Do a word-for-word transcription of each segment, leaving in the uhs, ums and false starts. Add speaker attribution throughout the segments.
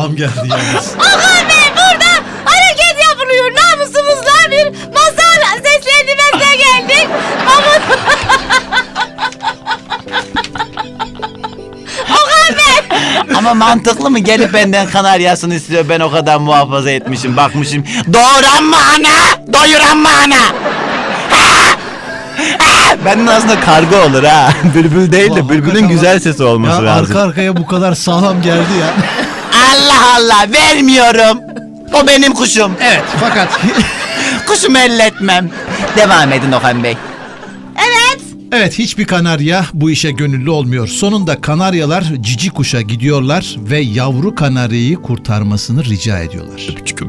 Speaker 1: sağlam geldi yalnız.
Speaker 2: Okan Bey burada hareket yapılıyor. Namusumuzla bir masal seslendirmesine geldik. Ama... Okan Bey.
Speaker 3: Ama mantıklı mı? Gelip benden kanaryasını istiyor. Ben o kadar muhafaza etmişim. Bakmışım. Doğuran mı ana? Doyuran mı ana? Ha! Ha! Benden aslında karga olur ha. Bülbül değil de
Speaker 1: Ulan
Speaker 3: bülbülün
Speaker 1: hakikaten
Speaker 3: güzel
Speaker 1: bak-
Speaker 3: sesi olması
Speaker 1: ya
Speaker 3: lazım.
Speaker 1: arka arkaya bu kadar sağlam geldi ya.
Speaker 3: Allah Allah, vermiyorum. O benim kuşum.
Speaker 1: Evet fakat
Speaker 3: Kuşumu elletmem. Devam edin Okan Bey.
Speaker 2: Evet.
Speaker 1: evet hiçbir kanarya bu işe gönüllü olmuyor. Sonunda kanaryalar cici kuşa gidiyorlar ve yavru kanaryayı kurtarmasını rica ediyorlar.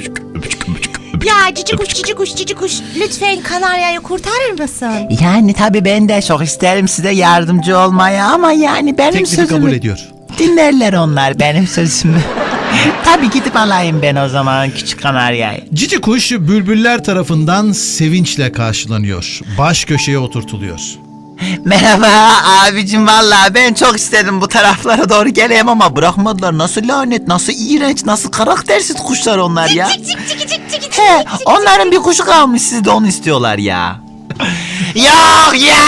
Speaker 2: Ya cici kuş cici kuş cici kuş lütfen kanaryayı kurtarır mısın?
Speaker 3: Yani tabii ben de çok isterim size yardımcı olmaya ama yani benim
Speaker 1: Teklifi
Speaker 3: sözümü
Speaker 1: kabul ediyor.
Speaker 3: dinlerler onlar benim sözümü. Tabii gidip alayım ben o zaman küçük kanaryayı.
Speaker 1: Cici kuş bülbüller tarafından sevinçle karşılanıyor. Baş köşeye oturtuluyor.
Speaker 3: Merhaba abicim, vallahi ben çok istedim bu taraflara doğru geleyim ama bırakmadılar. Nasıl lanet, nasıl iğrenç, nasıl karaktersiz kuşlar onlar ya.
Speaker 2: Cik cik cik cik cik cik.
Speaker 3: He, onların bir kuşu kalmış, siz de onu istiyorlar ya. Yok ya!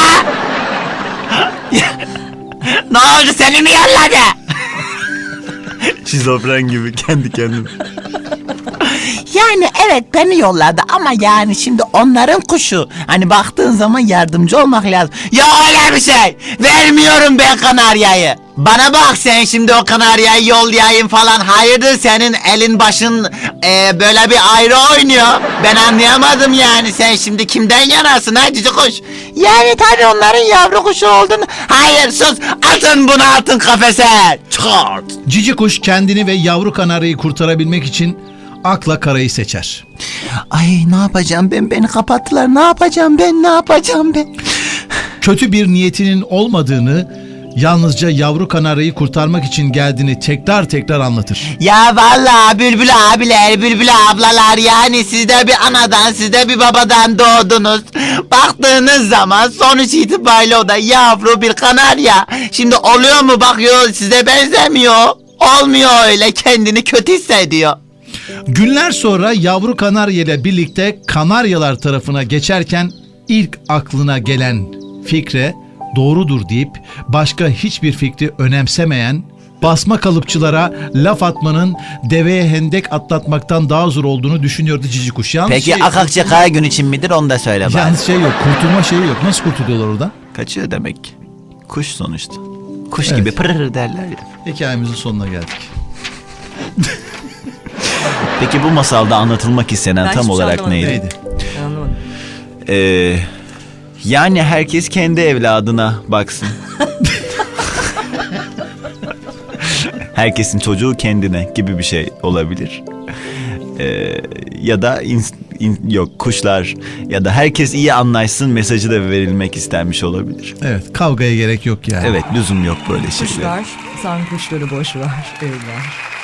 Speaker 3: Ne oldu, seni mi yolladı? Şizofren gibi kendi kendine. Yani evet beni yolladı ama yani şimdi onların kuşu. Hani baktığın zaman yardımcı olmak lazım. Ya öyle bir şey. Vermiyorum ben kanaryayı. Bana bak sen şimdi o kanaryayı yollayayım falan. Hayırdır senin elin başın e, böyle bir ayrı oynuyor. Ben anlayamadım yani. Sen şimdi kimden yanasın ha cici kuş? Yani tabii onların yavru kuşu olduğunu. Hayır sus, atın bunu, atın kafese. Çıkart.
Speaker 1: Cici kuş kendini ve yavru kanaryayı kurtarabilmek için akla karayı seçer.
Speaker 3: Ay ne yapacağım ben, beni kapattılar, ne yapacağım ben, ne yapacağım ben?
Speaker 1: Kötü bir niyetinin olmadığını, yalnızca yavru kanaryayı kurtarmak için geldiğini tekrar tekrar anlatır.
Speaker 3: Ya vallahi Bülbül abiler, Bülbül ablalar, yani siz de bir anadan, siz de bir babadan doğdunuz. Baktığınız zaman sonuç itibariyle o da yavru bir kanarya. Şimdi oluyor mu, bakıyor size benzemiyor. Olmuyor öyle, kendini kötü hissediyor.
Speaker 1: Günler sonra yavru kanarya ile birlikte kanaryalar tarafına geçerken ilk aklına gelen fikre doğrudur deyip başka hiçbir fikri önemsemeyen, basma kalıpçılara laf atmanın deveye hendek atlatmaktan daha zor olduğunu düşünüyordu cici kuş. Yalnız
Speaker 3: Peki
Speaker 1: şey,
Speaker 3: Akakçı kara gün için midir, onu da söyle bana.
Speaker 1: yalnız şey yok, kurtulma şeyi yok. Nasıl kurtuluyorlar oradan?
Speaker 3: Kaçıyor demek. Kuş sonuçta. Kuş
Speaker 1: Evet.
Speaker 3: gibi pırır derler ya.
Speaker 1: Hikayemizin sonuna geldik.
Speaker 3: Peki bu masalda anlatılmak istenen
Speaker 4: Ben
Speaker 3: tam
Speaker 4: hiçbir şey
Speaker 3: olarak
Speaker 4: anlamadım.
Speaker 3: neydi?
Speaker 1: Neydi?
Speaker 4: Ben anlamadım.
Speaker 3: Ee, yani herkes kendi evladına baksın. Herkesin çocuğu kendine gibi bir şey olabilir. Ee, ya da ins- in- yok kuşlar ya da herkes iyi anlaşsın mesajı da verilmek istenmiş olabilir.
Speaker 1: Evet, kavgaya gerek yok yani.
Speaker 3: Evet, lüzum yok böyle şeylere.
Speaker 4: Kuşlar, sen kuşları boş ver, evler.